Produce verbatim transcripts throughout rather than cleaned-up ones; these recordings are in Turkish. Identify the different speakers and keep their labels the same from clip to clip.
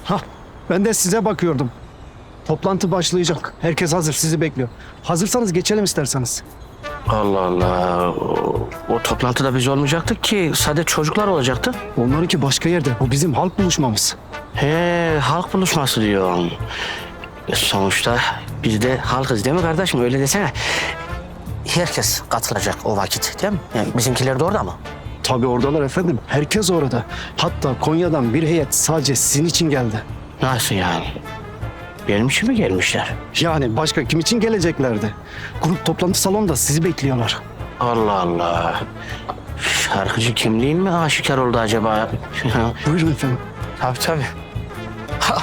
Speaker 1: Hah, ben de size bakıyordum. Toplantı başlayacak. Herkes hazır, sizi bekliyor. Hazırsanız geçelim isterseniz.
Speaker 2: Allah Allah. O, o toplantıda biz olmayacaktık ki. Sadece çocuklar olacaktı.
Speaker 1: Onlarınki başka yerde. Bu bizim halk buluşmamız.
Speaker 2: He, halk buluşması diyorsun. E, sonuçta biz de halkız değil mi kardeşim? Öyle desene. Herkes katılacak o vakit değil mi? Yani bizimkiler de orada mı?
Speaker 1: Tabii oradalar efendim. Herkes orada. Hatta Konya'dan bir heyet sadece sizin için geldi.
Speaker 2: Nasıl yani? Benim için mi gelmişler?
Speaker 1: Yani başka kim için geleceklerdi? Grup toplantı salonunda sizi bekliyorlar.
Speaker 2: Allah Allah. Şarkıcı kimliğim mi aşikar oldu acaba?
Speaker 1: Buyurun efendim.
Speaker 2: Tabii tabii. Ha.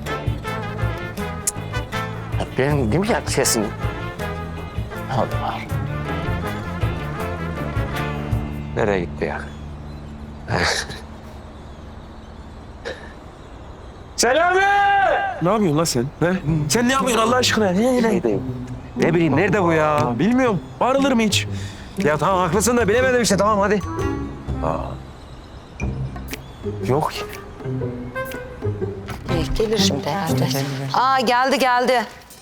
Speaker 2: Benim değil mi ya sesim? Allah Allah.
Speaker 3: Nereye gitti ya? Selami!
Speaker 4: Ne yapıyorsun lan sen? He? Sen ne yapıyorsun Allah aşkına? Ne, ne?
Speaker 3: Ne bileyim nerede bu ya?
Speaker 4: Ya bilmiyorum. Bağırılır mı hiç?
Speaker 3: Ya tamam haklısın da bilemedim işte tamam hadi.
Speaker 4: Yok ki.
Speaker 5: İyi, gelir şimdi herhalde. Aa geldi geldi.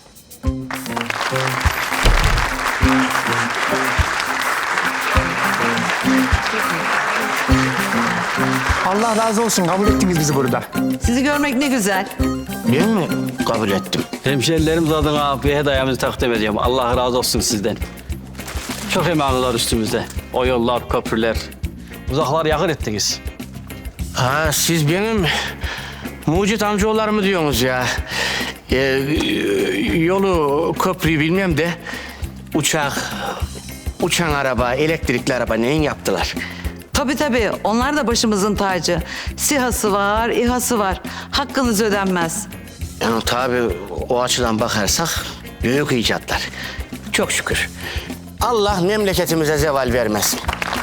Speaker 4: Allah razı olsun. Kabul ettiniz bizi burada.
Speaker 5: Sizi görmek ne güzel.
Speaker 2: Ben mi kabul ettim?
Speaker 6: Hemşerilerimiz adına bir hediyemizi takdim ediyorum. Allah razı olsun sizden. Çok emanlılar üstümüzde. O yollar, köprüler, uzaklar yakın ettiniz.
Speaker 2: Ha siz benim mucit amcaoğullarımı diyorsunuz ya. Ee, yolu, köprüyü bilmem de uçak, uçan araba, elektrikli araba neyin yaptılar?
Speaker 5: Tabii tabii onlar da başımızın tacı. SİHA'sı var, İHA'sı var. Hakkınız ödenmez.
Speaker 2: Yani tabii o açıdan bakarsak büyük icatlar. Çok şükür. Allah memleketimize zeval vermesin.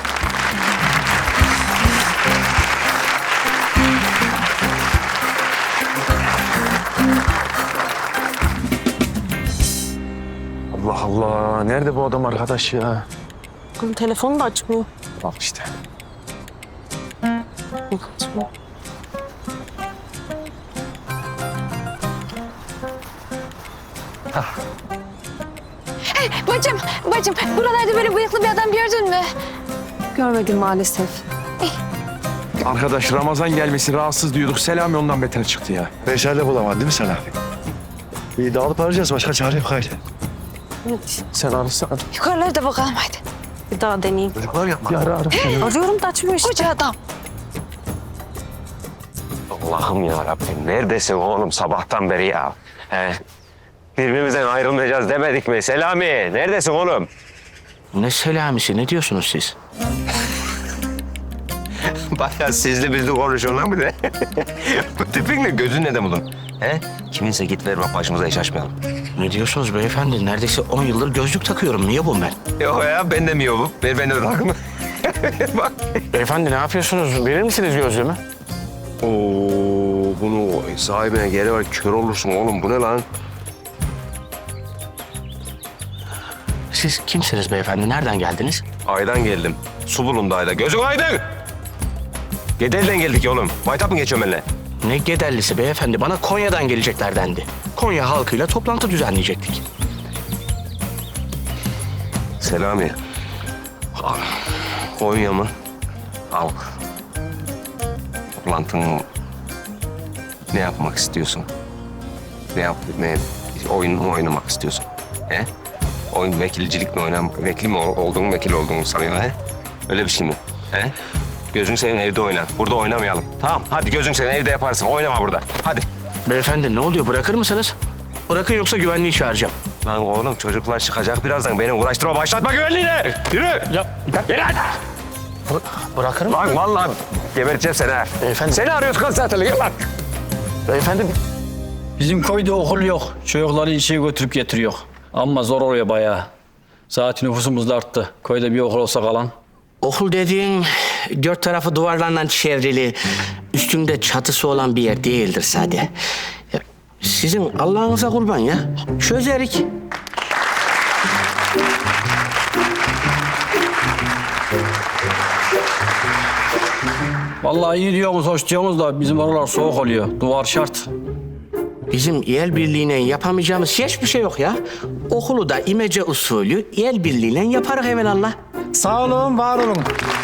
Speaker 4: Allah Allah. Nerede bu adam arkadaş ya?
Speaker 7: Bunun telefonu da açmıyor.
Speaker 4: Bak işte.
Speaker 7: Açmıyor.
Speaker 8: Bacım, bacım buralarda böyle bıyıklı bir adam gördün mü?
Speaker 7: Görmedim maalesef.
Speaker 4: Arkadaş Ramazan gelmesi rahatsız diyorduk. Selami ondan beter çıktı ya.
Speaker 9: Beşerde bulamadın değil mi sen abi? İyi dağılıp arayacağız. Başka çare yok haydi.
Speaker 7: Evet.
Speaker 4: Sen arasana.
Speaker 8: Yukarılara bakalım haydi.
Speaker 7: Bir daha deneyeyim.
Speaker 9: Çocuklar yapma.
Speaker 4: Bir ara ara.
Speaker 7: Arıyorum da açmıyor işte.
Speaker 8: Koca adam.
Speaker 3: Allah'ım ya Rabbim neredesin oğlum sabahtan beri ya? He? Birbirimizden ayrılmayacağız demedik mi? Selami neredesin oğlum?
Speaker 2: Ne selamisi, ne diyorsunuz siz?
Speaker 3: Bayağı sizli bizli konuşuyorsun lan bir de. Bu tipin ne gözün ne de bunun? He? Kiminse git ver bak başımıza iş açmayalım.
Speaker 2: Ne diyorsunuz beyefendi? Neredeyse on yıldır gözlük takıyorum. Niye bu ben?
Speaker 3: Yok ya ben de mi yolum? Ver ben de takımı. Bak.
Speaker 2: Beyefendi ne yapıyorsunuz? Verir misiniz gözlüğümü?
Speaker 3: Oo, bunu sahibine geri ver kör olursun oğlum bu ne lan?
Speaker 2: Siz kimsiniz beyefendi? Nereden geldiniz?
Speaker 3: Aydan geldim. Su bulundu ayda. Gözün aydın! Gedel'den geldik ya oğlum. Maytap mı geçiyorum benimle?
Speaker 2: Ne Gedellisi beyefendi? Bana Konya'dan gelecekler dendi. Konya halkıyla toplantı düzenleyecektik.
Speaker 3: Selami. Al. Konya mı? Al. Toplantın ne yapmak istiyorsun? Ne yap, ne oyun mu oynamak istiyorsun? He? Oyun vekilcilik mi oynam, vekil mi ol- olduğunu, vekil olduğunu sanıyor he? Öyle bir şey mi? He? Gözün senin evde oyna. Burada oynamayalım. Tamam, hadi gözün senin evde yaparsın. Oynama burada. Hadi.
Speaker 2: Beyefendi ne oluyor? Bırakır mısınız? Bırakın yoksa güvenliği çağıracağım.
Speaker 3: Lan oğlum çocuklar çıkacak birazdan. Beni uğraştırma. Başlatma güvenliğini. Yürü.
Speaker 2: Ya,
Speaker 3: Gel lan.
Speaker 2: bı- bırakır mı?
Speaker 3: Lan vallahi geberteceğim seni ha.
Speaker 2: Beyefendi.
Speaker 3: Seni arıyoruz kız zaten. Gel lan.
Speaker 2: Beyefendi
Speaker 6: Bizim köyde okul yok. Çocukları işe götürüp getiriyor. Ama zor oluyor bayağı. Zaten nüfusumuz da arttı. Köyde bir okul olsa kalan.
Speaker 2: okul dediğin dört tarafı duvarlarla çevrili, üstünde çatısı olan bir yer değildir sade. Ya, sizin Allah'ınıza kurban ya. Çözerik.
Speaker 6: Vallahi iyi diyorsunuz, hoş diyorsunuz da bizim oralar soğuk oluyor. Duvar şart.
Speaker 2: Bizim el birliğiyle yapamayacağımız hiçbir şey yok ya. Okulu da imece usulü el birliğiyle yaparız evelallah.
Speaker 1: Sağ olun, var olun.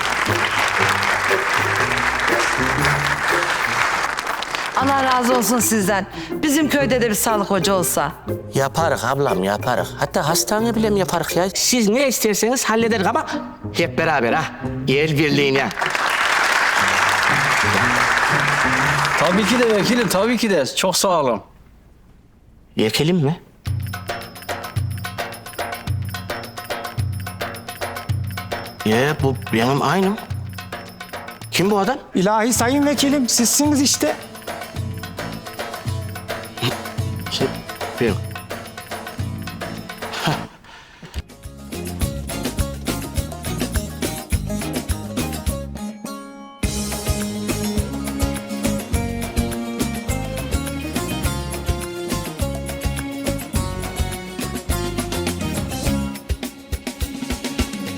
Speaker 5: Allah razı olsun sizden. Bizim köyde de bir sağlık hoca olsa.
Speaker 2: Yaparız ablam yaparız. Hatta hastane bile mi yaparız ya? Siz ne isterseniz hallederiz ama hep beraber ha. El birliğine.
Speaker 6: Tabii ki de vekilim, tabii ki de. Çok sağ olun.
Speaker 2: Vekilim mi? Ya bu benim aynım. Kim bu adam?
Speaker 1: İlahi sayın vekilim, sizsiniz işte.
Speaker 2: Şey, benim.